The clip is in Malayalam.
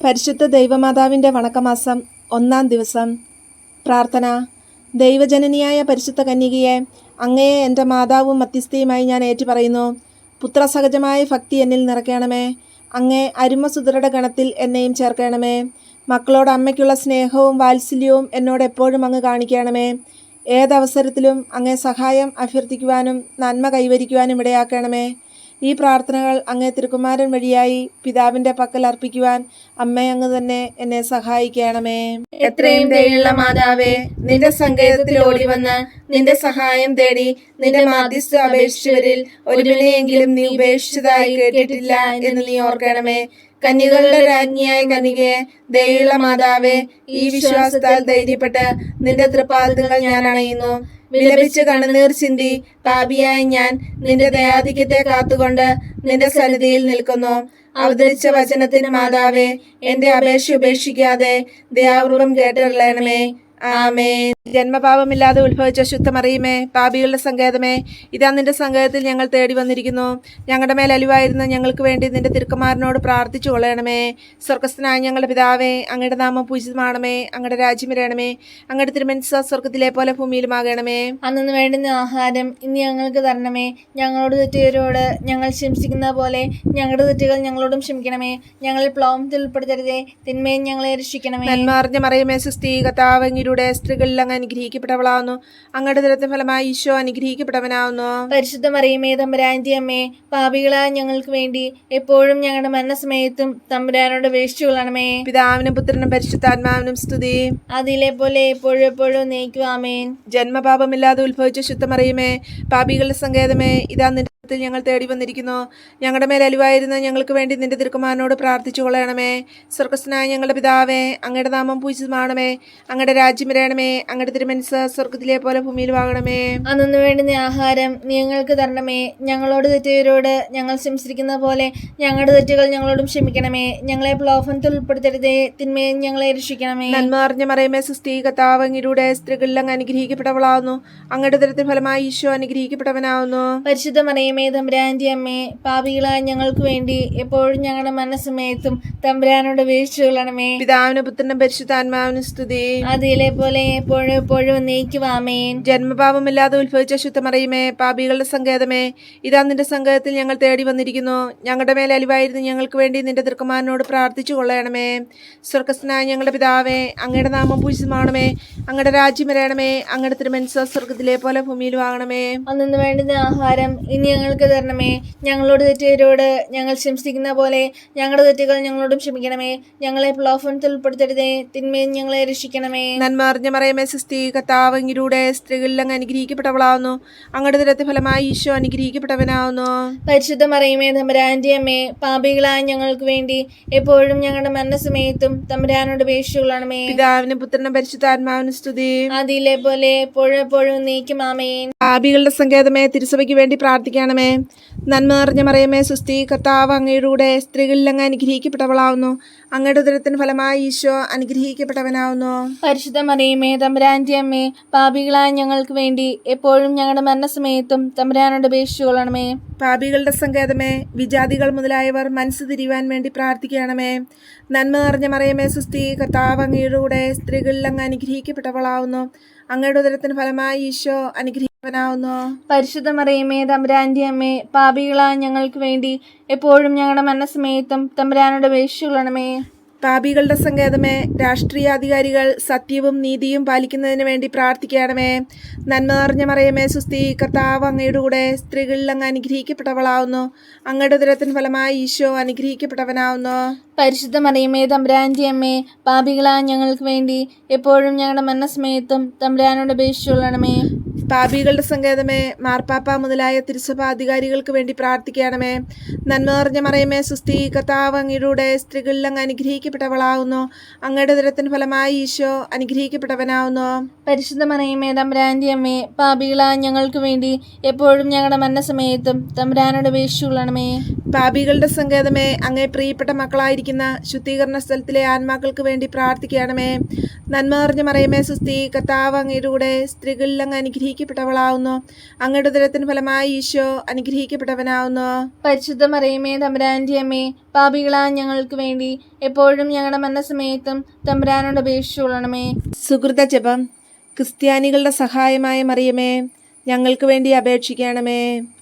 പരിശുദ്ധ ദൈവമാതാവിൻ്റെ വണക്കമാസം 1-ാം ദിവസം. പ്രാർത്ഥന. ദൈവജനനിയായ പരിശുദ്ധ കന്യകയെ, അങ്ങയെ എൻ്റെ മാതാവും മധ്യസ്ഥയുമായി ഞാൻ ഏറ്റുപറയുന്നു. പുത്രസഹജമായ ഭക്തി എന്നിൽ നിറയ്ക്കണമേ. അങ്ങേ അരുമസുതരുടെ ഗണത്തിൽ എന്നെയും ചേർക്കണമേ. മക്കളോട് അമ്മയ്ക്കുള്ള സ്നേഹവും വാത്സല്യവും എന്നോട് എപ്പോഴും അങ്ങ് കാണിക്കണമേ. ഏതവസരത്തിലും അങ്ങേ സഹായം അഭ്യർത്ഥിക്കുവാനും നന്മ കൈവരിക്കുവാനും ഇടയാക്കണമേ. ഈ പ്രാർത്ഥനകൾ അങ്ങേ തിരുക്കുമാരൻ വഴിയായി പിതാവിൻ്റെ പക്കൽ അർപ്പിക്കുവാൻ അമ്മ അങ്ങ് തന്നെ എന്നെ സഹായിക്കണമേ. എത്രയും ദയുള്ള മാതാവേ, നിന്റെ സങ്കേതത്തിൽ ഓടി വന്ന് നിന്റെ സഹായം തേടി നിന്റെ മാധ്യസ്ഥ അപേക്ഷിച്ചവരിൽ ഒരുവനെയെങ്കിലും നീ ഉപേക്ഷിച്ചതായി കേട്ടിട്ടില്ല എന്ന് നീ ഓർക്കണമേ. കന്യകളുടെ രാജ്ഞിയായ കന്യകയെ, ദയുള്ള മാതാവേ, ഈ വിശ്വാസത്താൽ ധൈര്യപ്പെട്ട് നിന്റെ തൃപ്പാദങ്ങൾ ഞാൻ അണയുന്നു. വിലപിച്ച് കണ്ണുനീർ ചിന്തി പാപിയായ ഞാൻ നിന്റെ ദയാധിക്യത്തെ കാത്തുകൊണ്ട് നിന്റെ സന്നിധിയിൽ നിൽക്കുന്നു. അവതരിച്ച വചനത്തിന് മാതാവേ, എന്റെ അപേക്ഷ ഉപേക്ഷിക്കാതെ ദയാപൂർവം കേട്ടറിയണമേ. ആമേൻ. ജന്മപാപമില്ലാതെ ഉത്ഭവിച്ച ശുദ്ധമറിയുമേ, പാപികളുടെ സങ്കേതമേ, ഇതാ നിന്റെ സങ്കേതത്തിൽ ഞങ്ങൾ തേടി വന്നിരിക്കുന്നു. ഞങ്ങളുടെ മേൽ അലിവായിരുന്ന ഞങ്ങൾക്ക് വേണ്ടി നിന്റെ തിരുക്കുമാരനോട് പ്രാർത്ഥിച്ചു കൊള്ളണമേ. സ്വർഗസ്ഥനായ ഞങ്ങളുടെ പിതാവേ, അങ്ങയുടെ നാമം പൂജിതമാണമേ. അങ്ങയുടെ രാജ്യം വരണമേ. അങ്ങയുടെ തിരുമനസ്സ് സ്വർഗത്തിലെ പോലെ ഭൂമിയിലുമാകണമേ. അന്നു വേണ്ടുന്ന ആഹാരം ഇന്ന് ഞങ്ങൾക്ക് തരണമേ. ഞങ്ങളോട് തെറ്റുകാരോട് ഞങ്ങൾ ക്ഷമിച്ചിരിക്കുന്ന പോലെ ഞങ്ങളുടെ തെറ്റുകൾ ഞങ്ങളോടും ക്ഷമിക്കണമേ. ഞങ്ങൾ പ്ലോമത്തിൽ ഉൾപ്പെടുത്തരുതേ, തിന്മയും ഞങ്ങളെ രക്ഷിക്കണമേ. നന്മ അറിഞ്ഞ മറിയമേ, സുസ്ഥീ, കർത്താവ് അങ്ങയുടെ സ്ത്രീകളിൽ അങ്ങ് അനുഗ്രഹിക്കപ്പെട്ടവളാവുന്നു. അങ്ങയുടെ ദുരത്തിന് ഫലമായി ഈശോ അനുഗ്രഹിക്കപ്പെട്ടവനാവുന്നു. പരിശുദ്ധ മറിയമേ, തമ്പുരാന്റെ അമ്മേ, പാപികളായ ഞങ്ങൾക്ക് വേണ്ടി എപ്പോഴും ഞങ്ങളുടെ മരണസമയത്തും തമ്പുരാനോട് അപേക്ഷിച്ചുകൊള്ളണമേ. പിതാവിനും പുത്രനും പരിശുദ്ധാത്മാവിനും സ്തുതി. അതിലെ പോലെ എപ്പോഴും എപ്പോഴും നയിക്കും. ആമേൻ. ജന്മപാപമില്ലാതെ ഉത്ഭവിച്ച ശുദ്ധമറിയമേ, പാപികളുടെ സങ്കേതമേ, ഇതാ നിന്റെ ഞങ്ങൾ തേടി വന്നിരിക്കുന്നു. ഞങ്ങളുടെ മേൽ അലിവായിരുന്ന ഞങ്ങൾക്ക് വേണ്ടി നിന്റെ തിരുക്കുമാരനോട് പ്രാർത്ഥിച്ചു കൊള്ളണമേ. സ്വർഗസ്ഥനായ ഞങ്ങളുടെ പിതാവേ, അങ്ങയുടെ നാമം പൂജിതമാണമേ. അങ്ങയുടെ രാജ്യം വരണമേ. അങ്ങയുടെ തിരുമനസ്സ് സ്വർഗത്തിലെ പോലെ ഭൂമിയിലുമാകണമേ. അന്നു വേണ്ടുന്ന ആഹാരം നീ ഞങ്ങൾക്ക് തരണമേ. ഞങ്ങളോട് തെറ്റുകാരോട് ഞങ്ങൾ ക്ഷമിച്ചിരിക്കുന്ന പോലെ ഞങ്ങളുടെ തെറ്റുകൾ ഞങ്ങളോടും ക്ഷമിക്കണമേ. ഞങ്ങളെ പ്രലോഭനത്തിൽ ഉൾപ്പെടുത്തരുതേ, തിന്മയും ഞങ്ങളെ രക്ഷിക്കണമേ. നന്മ അറിഞ്ഞ മറിയമേ, സുസ്ഥീ, കർത്താവ് അങ്ങയുടെ സ്ത്രീകളിൽ അങ്ങ് അനുഗ്രഹിക്കപ്പെട്ടവളാവുന്നു. അങ്ങയുടെ ദുരത്തിന് ഫലമായി ഈശോ അനുഗ്രഹിക്കപ്പെട്ടവനാവുന്നു. പരിശുദ്ധ മറിയമേ, തമ്പുരാന്റെ അമ്മേ, പാപികളായ ഞങ്ങൾക്ക് വേണ്ടി എപ്പോഴും ഞങ്ങളുടെ മരണസമയത്തും തമ്പുരാനോട് അപേക്ഷിച്ചുകൊള്ളണമേ. പിതാവിനും പുത്രനും പരിശുദ്ധാത്മാവിനും സ്തുതി. അതിലെ പോലെ എപ്പോഴും എപ്പോഴും നയിക്കും. ആമേൻ. ജന്മപാപമില്ലാതെ ഉത്ഭവിച്ച ശുദ്ധമറിയമേ, പാപികളുടെ സങ്കേതമേ, ഇതാ നിന്റെ സങ്കേതത്തിൽ ഞങ്ങൾ തേടി വന്നിരിക്കുന്നു. ഞങ്ങളുടെ മേൽ അലിവായിരുന്ന ഞങ്ങൾക്ക് വേണ്ടി നിന്റെ തിരുക്കുമാരനോട് പ്രാർത്ഥിച്ചു കൊള്ളണമേ. സ്വർഗസ്ഥനായ ഞങ്ങളുടെ പിതാവേ, അങ്ങയുടെ നാമം പൂജിതമാണമേ. അങ്ങയുടെ രാജ്യം വരണമേ. അങ്ങയുടെ തിരുമനസ്സ് സ്വർഗത്തിലെ പോലെ ഭൂമിയിലുമാകണമേ. അന്നു വേണ്ടുന്ന ആഹാരം ഇനി ഞങ്ങൾക്ക് തരണമേ. ഞങ്ങളോട് തെറ്റുകാരോട് ഞങ്ങൾ ക്ഷമിച്ചിരിക്കുന്ന പോലെ ഞങ്ങളുടെ തെറ്റുകൾ ഞങ്ങളോടും ക്ഷമിക്കണമേ. ഞങ്ങളെ പ്രലോഭനത്തിൽ ഉൾപ്പെടുത്തരുതേ, തിന്മയും ഞങ്ങളെ രക്ഷിക്കണമേ. നന്മ അറിഞ്ഞ മറിയമേ, സുസ്ഥീ, കർത്താവ് അങ്ങയുടെ സ്ത്രീകളിൽ അങ്ങ് അനുഗ്രഹിക്കപ്പെട്ടവളാവുന്നു. അങ്ങയുടെ ദുരത്തിന് ഫലമായി ഈശോ അനുഗ്രഹിക്കപ്പെട്ടവനാവുന്നു. പരിശുദ്ധ മറിയമേ, തമ്പുരാന്റെ അമ്മേ, പാപികളായ ഞങ്ങൾക്ക് വേണ്ടി എപ്പോഴും ഞങ്ങളുടെ മരണസമയത്തും തമ്പുരാനോട് അപേക്ഷിച്ചുകൊള്ളണമേ. പിതാവിനും പുത്രനും പരിശുദ്ധാത്മാവിനും സ്തുതി. അതിലെ പോലെ എപ്പോഴും എപ്പോഴും നയിക്കും. ആമേൻ. പാപികളുടെ സങ്കേതമേ, തിരുസഭയ്ക്ക് വേണ്ടി പ്രാർത്ഥിക്കണമേ. നന്മ നിറഞ്ഞ മറിയമേ, സുസ്ഥീ, കർത്താവ് അങ്ങയുടെ സ്ത്രീകളിൽ അങ്ങ് അനുഗ്രഹിക്കപ്പെട്ടവളാവുന്നു. അങ്ങയുടെ ഉദരത്തിന് ഫലമായി ഈശോ അനുഗ്രഹിക്കപ്പെട്ടവനാവുന്നു. പരിശുദ്ധ മറിയമേ, തമ്പുരാന്റെ അമ്മേ, പാപികളായ ഞങ്ങൾക്ക് വേണ്ടി എപ്പോഴും ഞങ്ങളുടെ മരണസമയത്തും തമ്പുരാനോട് അപേക്ഷിച്ചുകൊള്ളണമേ. പാപികളുടെ സങ്കേതമേ, വിജാതികൾ മുതലായവർ മനസ്സ് തിരിയുവാൻ വേണ്ടി പ്രാർത്ഥിക്കണമേ. നന്മ നിറഞ്ഞ മറിയമേ, സുസ്ഥീ, കർത്താവ് അങ്ങയുടെ സ്ത്രീകളിൽ അങ്ങ് അനുഗ്രഹിക്കപ്പെട്ടവളാവുന്നു. അങ്ങയുടെ ഉദരത്തിന് ഫലമായി ഈശോ അനുഗ്രഹിക്കവനാവുന്നു. പരിശുദ്ധ മറിയമേ, തമ്പുരാന്റെ അമ്മേ, പാപികളായ ഞങ്ങൾക്ക് വേണ്ടി എപ്പോഴും ഞങ്ങളുടെ മരണസമയത്തും തമ്പുരാനോട് അപേക്ഷിച്ചുകൊള്ളണമേ. പാപികളുടെ സങ്കേതമേ, രാഷ്ട്രീയാധികാരികൾ സത്യവും നീതിയും പാലിക്കുന്നതിന് വേണ്ടി പ്രാർത്ഥിക്കണമേ. നന്മ നിറഞ്ഞ മറിയമേ, സുസ്ഥീ, കർത്താവ് അങ്ങയുടെ സ്ത്രീകളിൽ അങ്ങ് അനുഗ്രഹിക്കപ്പെട്ടവളാവുന്നു. അങ്ങയുടെ ഉദരത്തിന് ഫലമായി ഈശോ അനുഗ്രഹിക്കപ്പെട്ടവനാവുന്നു. പരിശുദ്ധ മറിയമേ, തമ്പുരാന്റെ അമ്മേ, പാപികളായ ഞങ്ങൾക്ക് വേണ്ടി എപ്പോഴും ഞങ്ങളുടെ മരണസമയത്തും തമ്പുരാനോട് അപേക്ഷിച്ചുകൊള്ളണമേ. പാപികളുടെ സങ്കേതമേ, മാർപ്പാപ്പ മുതലായ തിരുസഭാധികാരികൾക്ക് വേണ്ടി പ്രാർത്ഥിക്കണമേ. നന്മ നിറഞ്ഞ മറിയമേ, സുസ്ഥീ, കർത്താവ് അങ്ങയുടെ സ്ത്രീകളിൽ അങ്ങ് അനുഗ്രഹിക്കപ്പെട്ടവളാവുന്നു. അങ്ങയുടെ ഉദരത്തിന് ഫലമായി ഈശോ അനുഗ്രഹിക്കപ്പെട്ടവനാവുന്നു. പരിശുദ്ധ മറിയമേ, തമ്പുരാന്റെ അമ്മേ, പാപികളായ ഞങ്ങൾക്ക് വേണ്ടി എപ്പോഴും ഞങ്ങളുടെ മരണസമയത്തും തമ്പുരാനോട് അപേക്ഷിച്ചുകൊള്ളണമേ. പാപികളുടെ സങ്കേതമേ, അങ്ങേ പ്രിയപ്പെട്ട മക്കളായിരിക്കുന്ന ശുദ്ധീകരണ സ്ഥലത്തിലെ ആത്മാക്കൾക്ക് വേണ്ടി പ്രാർത്ഥിക്കണമേ. നന്മ നിറഞ്ഞ മറിയമേ, സുസ്ഥീ, കർത്താവ് അങ്ങയുടെ സ്ത്രീകളിൽ അങ്ങ് അനുഗ്രഹിക്കപ്പെട്ടവളാവുന്നു. അനുഗ്രഹിക്കപ്പെട്ടവളാവുന്നു. അങ്ങയുടെ ഉദരത്തിന് ഫലമായി ഈശോ അനുഗ്രഹിക്കപ്പെട്ടവനാവുന്നു. പരിശുദ്ധ മറിയമേ, തമ്പുരാന്റെ അമ്മേ, പാപികളായ ഞങ്ങൾക്ക് വേണ്ടി എപ്പോഴും ഞങ്ങളുടെ മരണസമയത്തും തമ്പുരാനോട് അപേക്ഷിച്ചുകൊള്ളണമേ. സുഹൃത ജപം. ക്രിസ്ത്യാനികളുടെ സഹായമായ മറിയമേ, ഞങ്ങൾക്ക് വേണ്ടി അപേക്ഷിക്കണമേ.